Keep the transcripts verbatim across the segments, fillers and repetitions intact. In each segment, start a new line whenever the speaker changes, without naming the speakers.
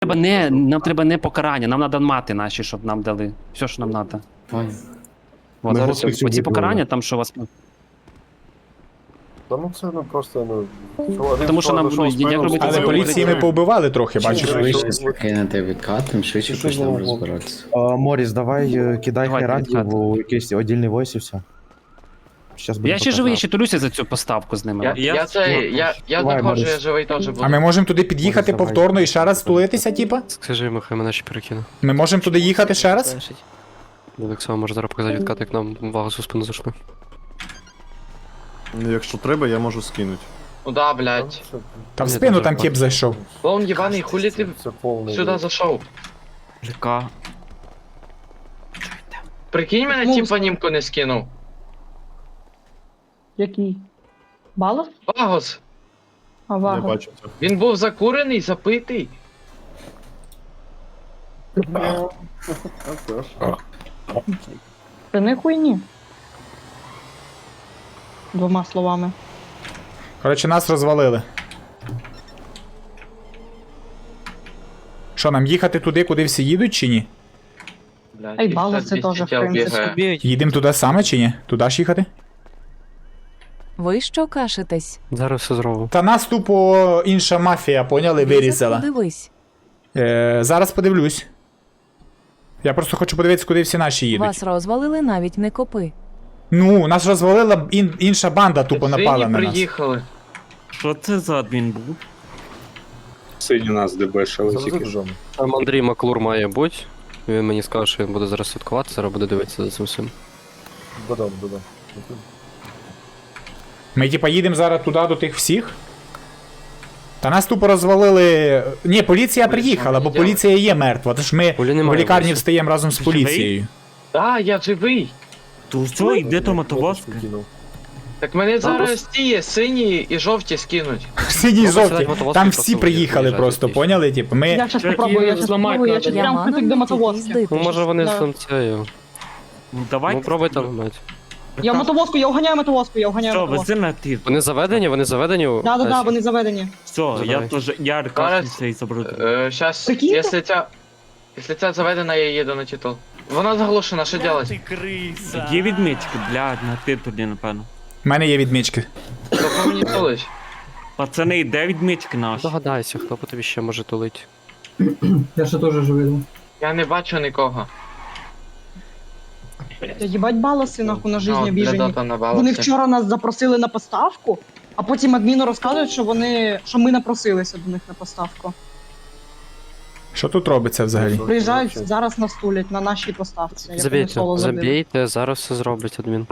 треба не, нам треба не покарання, нам треба мати наші, щоб нам дали. Все, що нам треба.
Ой.
От,
Ми
зараз
готові
оці
цього
покарання, там що у вас.
Та ну це ну просто ну. один
Тому що
склад
нам
зайшов
будуть, як
спину,
робити
Але
встав,
поліції ми повбивали трохи,
Чим
бачиш.
ви?
Швидше скинете відкат, тим швидше
Що
почнемо
за
розбиратися.
А, Моріс, давай е, кидай
Давайте,
хайрантів
відкат.
у якийсь віддільний войс і все. Щас
Я ще живий, я ще толюся за цю поставку з ними.
Я, я, це, я, я
Давай,
доходжу,
Борис.
я живий теж буду.
А ми можемо туди під'їхати
Давай.
повторно і ще раз стулитися, типа?
Скажи йому, хай мене ще перекину.
Ми можемо туди їхати ще раз?
Олександр може зараз показати відкат, як нам вагу за спину зайшли.
Ну, якщо треба, я можу скинути.
Ну да, блядь.
Це,
Та в
Ні,
спину
дуже
там
класно.
тип зайшов.
Клоун єбаний, хулі ти
це повний.
сюди зайшов?
Ліка.
Прикинь мене,
Ну,
тіп анімку не скинув.
Який? Балов?
Вагос,
А
Я
вага.
бачу це.
він був закурений, запитий.
А це ж.
Це не хуйні. Двома словами.
Коротше, нас розвалили. Що, нам їхати туди, куди всі їдуть, чи ні?
Блядь,
А й Балос це
п'ятдесят
теж, в
я
принципі.
бігаю.
Їдемо туди саме чи ні? Туди ж їхати?
Ви що кашетесь?
Зараз все зробимо.
Та нас тупо інша мафія, поняли, вирізала.
Дивись,
Е, зараз подивлюсь. Я просто хочу подивитися, куди всі наші їдуть.
вас розвалили навіть не копи.
Ну, нас розвалила ін, інша банда, тупо
Сині
напала на нас.
приїхали.
Що це за адмін був?
Сині нас дебешили
Це за джом.
Там Андрій Маклур має бути. Він мені сказав, що він буде зараз святкувати, зараз буде дивитися за цим всім.
Додам, додам.
Ми типа їдемо зараз туди до тих всіх. Та нас тупо розвалили. Ні, поліція приїхала, бо поліція є мертва. Тож ми
Полі
в
немає,
лікарні
Василь.
встаємо разом з
Живий?
поліцією.
Да, я живий.
То що, йде то мотовозка?
Так мене зараз
просто-
ті сині і жовті скинуть.
Сині
Ну,
жовті.
посилать мотовозки
Там
просто
всі
буде
приїхали
приїжджати
просто,
більше.
поняли? Типу, ми.
Я щас попробую, я щас попробую, я щас
я
прям
маю
притик до мотовозки.
їздити.
Ну може вони
Да.
там це.
Ну давайте.
Ну пробуй там мать.
Я мотовозку, я уганяю мотовозку, я уганяю
Що,
мотовозку.
вези на ти.
Вони заведені, вони заведені. у-
Да, да, да,
Дальше.
вони заведені.
Все, я
Забирай.
теж, я аркашниця і заберу.
Е, щас,
Прикиньте?
якщо ця... Якщо ця заведена, я їду на титул. Вона заглушена, що делать?
Є відмічки, блядь, на титулі, напевно.
У мене є відмічки.
Хто мені тулить?
Пацани, де відмічки наші?
Догадайся, хто по тобі ще може тулити.
Я ще теж живий.
Я не бачу нікого.
Я їбать баласи, нахуй, на
Ну,
жизнь
для
обіжені.
дота на
Вони
балансі.
вчора нас запросили на поставку, а потім адміну розказують, що вони, що ми напросилися до них на поставку.
Що тут робиться взагалі?
Приїжджають, зараз нас тулять на нашій поставці. як вони
Забійте,
соло забили.
забійте, зараз все зроблять адмін.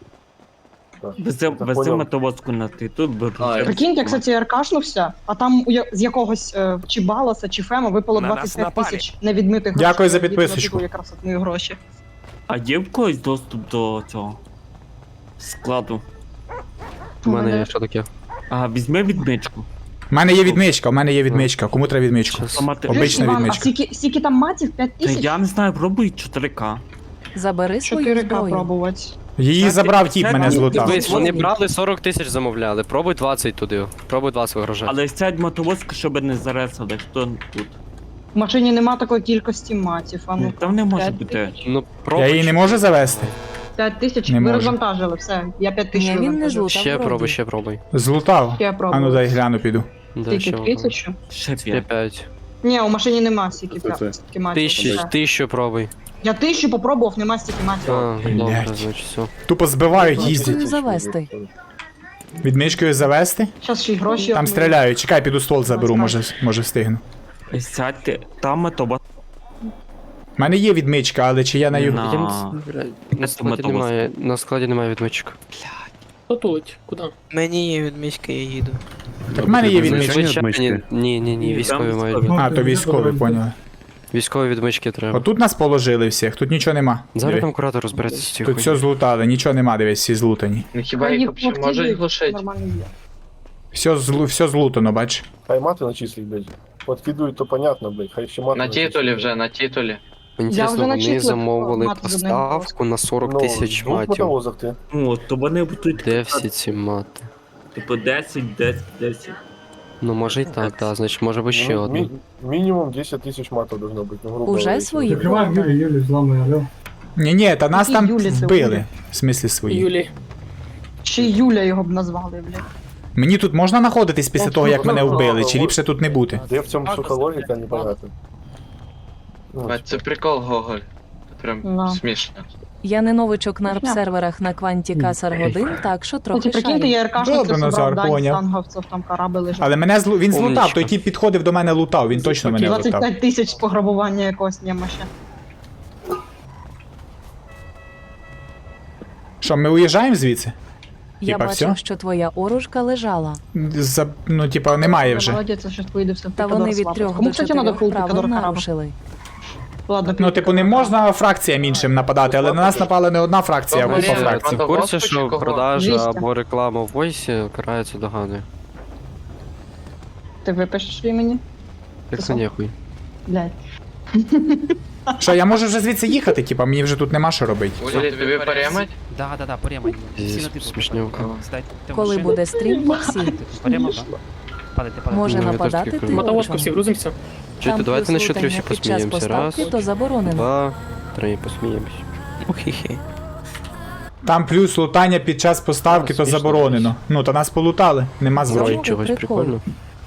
Вези, вези мотовозку на титул, беру.
Прикиньте, кстати, я аркашнувся, а там у я- з якогось е, чи Баласа, чи Фема випало
На нас
двадцять п'ять
напали.
тисяч невідмитих грошей.
Дякую за
Я
підписочку.
відмитив якраз от мої гроші.
А є в когось доступ до цього складу?
У мене є що таке.
А, візьми відмичку.
У мене є відмичка, у мене є відмичка. Кому треба відмичку?
Щас.
Ламати-
Обична
Чуєш, Іван, а
відмичка.
скільки, скільки там матів? п'ять
Та
тисяч?
я не знаю, пробуй чотири ка.
Забери свою
чотири ка
зброю.
пробувати.
Її
Це-
забрав тіп,
це-
мене
це-
злутав.
Дивись, вони брали сорок тисяч замовляли. Пробуй двадцять туди. Пробуй двадцять вигрожати.
Але сядь мотовозку, щоб не заресали, хто тут.
В машині нема такої кількості матів, а ну.
Там не може
п'ять
бути.
Ну,
Я
пробуй.
її не можу завести?
п'ять тисяч,
Не
ви
можу.
розвантажили, все. Я п'ять тисяч
Ні, він не
розвантажив.
злутав.
Ще
вроді.
пробуй, ще пробуй.
Злутав.
Я
А ну
пробую.
дай гляну, піду.
Да, ще
Тільки
пробуй.
тисячу?
Ще
Ще
п'ять.
п'ять.
Ні, у машині нема стільки
Це- це.
п'ять- стільки матів.
Тисячу,
Все.
тисячу пробуй.
Я тисячу попробував, нема стільки матів.
А, добре,
Блядь.
значить все.
Тупо збивають, їздять.
Відмичкою завести.
Відмичкою завести?
Зараз ще й гроші.
Там
отмию.
стріляють. Чекай, піду ствол заберу, може, може встигну.
Сядьте, там мотовозка.
У мене є відмичка, але чи я на його.
На.
Я не- блядь, На складі
мотовозка.
немає, на складі немає відмичок.
Потулить, куди?
Мені є відмічка, я їду.
Так в мене є
Звичайно.
відмичка.
Звичайні, ні, ні, ні,
Ні,
військові
там
мають.
військові.
А, то військові, поняли.
Військові відмички треба.
Отут нас положили всіх, тут нічого нема.
Зараз
Диви.
там куратор розбереться з цією
Тут все злутали, нічого нема, дивись, всі злутані.
Ну хіба
Та
їх
їх
взагалі
активують,
можуть глушити?
нормально є.
Все, злу, все злутано, бач.
Хай мати начислить, блядь. Подкидують, то понятно, блядь. Хай ще мати
На
начислять.
титулі вже, на титулі.
Мені
Я
інтересно,
вже
вони
начислив,
замовили
мати з одним
поставку на сорок
Ну,
тисяч
двох
матів.
мотовозок ти.
Ну, то вони будуть
Де всі ці мати?
типу десять, десять, десять.
Ну, може і так, так, значить, може би ще
Ну,
одну.
ми- Минимум десять тысяч матов должно быть, ну, грубо
Уже
говоря.
свої
Закриваємо Юлі,
хвилини.
Юлі, зламує, алло.
Ні-ні, та нас
Які
там
Юлі, це
вбили.
Юлі?
В смислі свої.
Юлі.
Ще й Юля його б назвали, блядь.
Мені тут можна знаходитись після того, як мене вбили, чи ліпше тут не бути?
Где в цьому психологіка, непонятно. Ну,
А це прикол, Гоголь. Прям
Да.
смішно.
Я не новичок на
Понятно.
арп-серверах на кванті Касар годин, так що
Кстати,
трохи
прикиньте,
шарю.
я РКшницю
Добре, Назар,
собрав, дань
поняв.
станговців, там кораби лежать.
Але мене злу... він злутав,
Умничка.
той тіп підходив до мене лутав, він точно мене
двадцять
лутав.
п'ять тисяч пограбування якогось німаща.
Що, ми уїжджаємо звідси?
Я
Типа,
бачив,
всьо?
що твоя оружка лежала.
За... Ну, типа, немає вже.
Молодець, я щас поїду все в
Та
Пікадор
вони від
свапати.
трьох
Кому,
до
кстати, надо
чотирьох
фул
правил
Пікадор корабль?
нарушили.
Ладно,
Ну, типу, не можна фракціям іншим нападати, але на нас напала не одна фракція, а
Добре,
купа
Ні,
фракцій.
Ти в курсі,
Господи,
що
кого?
продажа
двісті.
або реклама в войсі карається доганою?
Ти випишеш імені?
Як
Це
це ніхуй.
Блядь.
Що, я можу вже звідси їхати, типа, мені вже тут нема що робити.
Улі, тобі перемать?
Да, да, да, порема.
Зі смішнюка.
Коли буде стрім, всі.
Порема, да. Падайте, падайте.
Може
Ну, я
нападати
теж таки
ти
Мотовозку всі
очом.
грузимося.
Чуєте,
Там
давайте
плюс
на що три всі
лутання під час
посміємося. Раз,
поставки, то заборонено.
два, три, посміємось.
Хі-хі.
Там плюс лутання під час поставки, то
Смішно.
заборонено. Ну, то нас полутали, нема зброї.
Чого?
Чогось
прикол.
прикольно.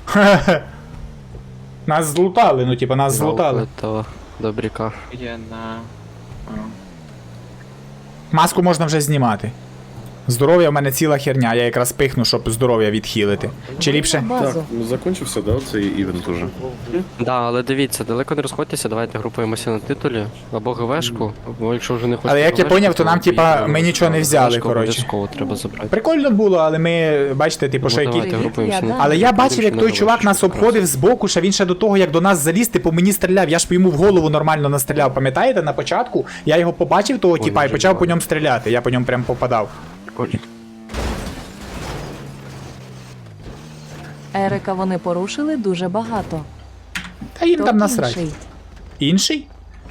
Нас злутали, ну, типа, нас злутали.
Та добряка.
Я на... А.
Маску можна вже знімати. Здоров'я в мене ціла херня, я якраз пихну, щоб здоров'я відхилити. Чи ліпше?
Базу.
Ну закончився, да, цей івент уже.
Да, але дивіться, далеко не розходьтеся, давайте групуємося на титулі, або ГВшку, або якщо вже не хочете.
Але як я
ГВшку,
поняв, то нам, типа,
поїдемо.
ми нічого не взяли,
ГВшку
коротше.
Обов'язково треба забрати.
Прикольно було, але ми, бачите, типу,
Ну,
що які...
давайте групуємося на
Але я
титулі,
бачив, як
будемо
той
ще
чувак
на
нас
ГВшку
обходив збоку, що він ще до того, як до нас заліз, типу мені стріляв. Я ж по йому в голову нормально настріляв, пам'ятаєте, на початку? Я його побачив, того
Ой,
типа, і
дуже
почав по
багато.
ньому стріляти. Я по ньому прям попадав.
Прикольно.
Ерика вони порушили дуже багато.
Та їм
То
там насрать.
інший.
Інший?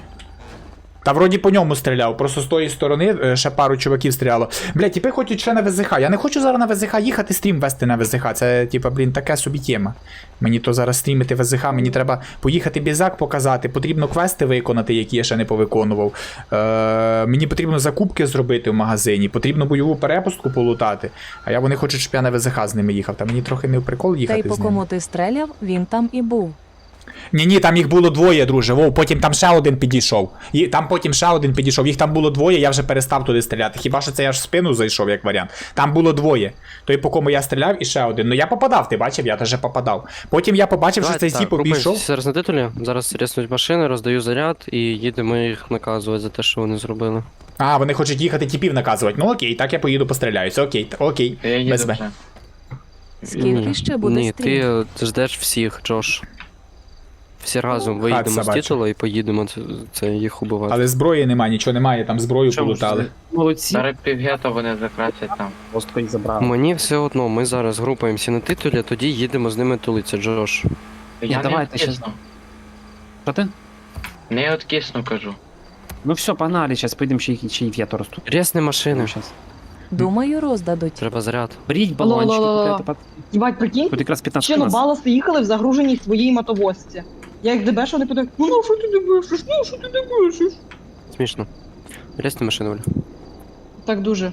Та вроді по ньому стріляв, просто з тої сторони е, ще пару чуваків стріляло. Бля, тіпи хочуть ще на ВЗХ. Я не хочу зараз на ВЗХ їхати, стрім вести на ВЗХ. Це, типа, блін, така собі тема. Мені то зараз стрімити ВЗХ, мені треба поїхати бізак показати, потрібно квести виконати, які я ще не повиконував. Е, мені потрібно закупки зробити в магазині, потрібно бойову перепустку полутати. А я вони хочуть, щоб я на ВЗХ з ними їхав. Та мені трохи не в прикол
Та й
їхати
по
з ними.
кому ти стріляв, він там і був.
Ні-ні, там їх було двоє, друже. Вов, потім там ще один підійшов. І там потім ще один підійшов. Їх там було двоє, я вже перестав туди стріляти. Хіба що це я ж в спину зайшов, як варіант. Там було двоє. Той, по кому я стріляв, і ще один. Ну я попадав, ти бачив, я теж попадав. Потім я побачив, що цей тіп обійшов.
Зараз на титулі, зараз ріснуть машини, роздаю заряд і їдемо їх наказувати за те, що вони зробили.
А, вони хочуть їхати тіпів наказувати. Ну окей, так я поїду постріляюся. Окей, т- окей.
Я їду
Без Б.
вже.
Скільки
Ні.
ще буде
Ні,
стрім?
ти ждеш всіх, Джош. Всі разом
Хат
виїдемо з
собача.
титулу і поїдемо це, це їх убивати.
Але зброї немає, нічого немає, там зброю полутали.
Молодці.
Зараз півгета вони закрасять там.
Просто їх забрали.
Мені все одно, ми зараз групаємося на титулі, а тоді їдемо з ними тулиться, Джош.
Я не
давайте щас-
откисну.
Що ти?
Не откисну, кажу.
Ну все, погнали, зараз поїдемо ще їх ще й в'єту ростуть.
Рясні машини,
Зараз.
Думаю, роздадуть.
треба заряд.
Беріть балончики,
Ла-ла-ла-ла.
купляйте. пат-
Їбать, прикинь,
Тут якраз п'ятнадцять
ще ну
нас.
баласи їхали в загруженій своїй мотовозці. Я їх дебешу, вони питають, ну ну що ти дебешиш, ну що ти дебешиш?
Смішно. Рясні машини, Оля.
Так дуже.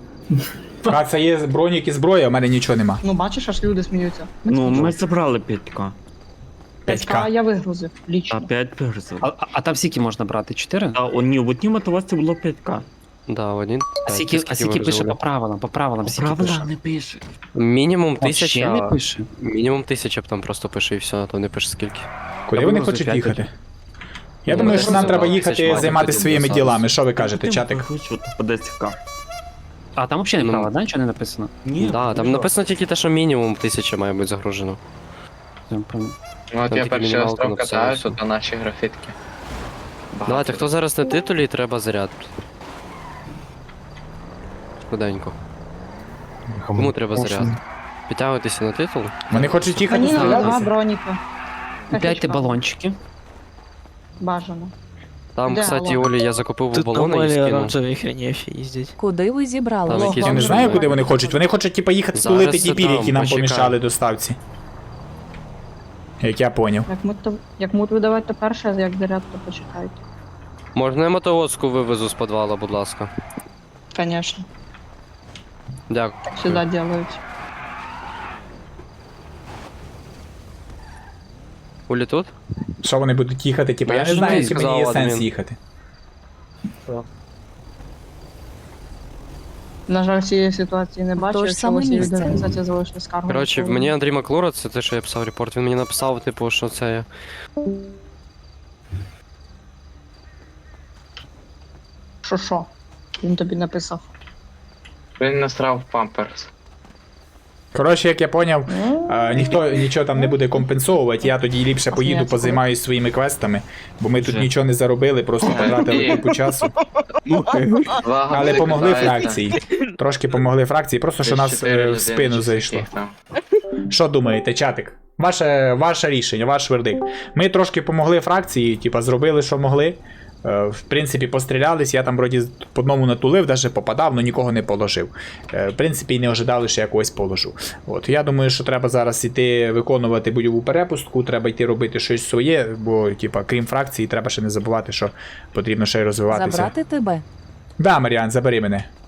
А це є бронік і зброя, а в мене нічого нема.
Ну бачиш, аж люди сміються.
Ну, ми забрали п'ятька.
п'ять ка
п'ять ка.
я вигрузив,
А
лічно.
п'ять персів.
А, а, а там скільки можна брати? Чотири?
А у ні, в одній мотовозці було п'ятка.
Да, один.
А скільки, а скільки пише по правилам? По правилам скільки пише?
Правила не пише.
Мінімум
Вообще не
тисяча.
пише.
Мінімум тисяча б там просто пише і все, а то не пише скільки.
Куди
Я
вони
буду
хочуть
розвивати.
їхати? Я
Ну,
думаю,
ми
що нам
просто
треба
за
їхати
тисяч мати
займатися
потім
своїми
до
ділами.
зараз.
Що ви кажете, чатик?
Хочу по десять ка.
А там взагалі не
Ну,
право, да? Нічого не написано?
Ні.
Да, там написано тільки те, що мінімум тисяча має бути загружено.
Там прям-
Ну от
Там
я
тільки
перший
мінімалка
остров
написала,
катаю,
все.
тут наші графітки.
Давайте, хто зараз на титулі, треба заряд. Швиденько. Кому треба заряд? Підтягуйтеся на титул.
Вони хочуть їхати
Мені на два
стрілятися.
броніка.
Купляйте балончики.
Бажано.
Там,
Де
кстати,
балон?
Олі, я закупив
Тут
балони і
нормальні
скинув.
оранжеві хренєфі їздять.
Куди ви зібрали?
Там якісь
Я не знаю, куди вони хочуть. Вони хочуть, типа, їхати
Зараз
стулити
це
тіпів,
там,
які нам
почекай.
помішали доставці. Як я поняв.
Як мут, то, як мут видавати, то перше, а як заряд, то почекайте.
Можна я мотовозку вивезу з підвала, будь ласка?
Конечно.
Дякую.
Так всегда делают.
Улі тут?
Що вони будуть їхати? Типу,
Ну,
я
я
не
ж
знаю,
тобі
чи мені є
сказав,
сенс
адмін.
їхати.
На жаль, цієї ситуації не бачу,
То ж
якщо
саме
у вас є
місце.
організація залишили скаргу.
Коротше,
то-
мені Андрій Маклура, це те, що я писав репорт, він мені написав, типу, що це я.
Що що? Він тобі написав.
Він насрав памперс.
Коротше, як я поняв, е, ніхто нічого там не буде компенсовувати, я тоді ліпше поїду,
Сміється,
позаймаюсь своїми квестами, бо ми тут
Вже.
нічого не заробили, просто потратили купу часу. Але помогли фракції. Трошки помогли фракції, просто що нас е, в спину зайшло. Що думаєте, чатик? Ваше, ваше рішення, ваш вердикт. Ми трошки помогли фракції, типа зробили, що могли. Е, В принципі, пострілялись, я там вроді по одному натулив, навіть попадав, але нікого не положив. Е, В принципі, і не ожидали, що я когось положу. От, я думаю, що треба зараз іти виконувати бойову перепустку, треба йти робити щось своє, бо, типа, крім фракції, треба ще не забувати, що потрібно ще й розвиватися.
Забрати тебе.
Да, Маріан, забери мене.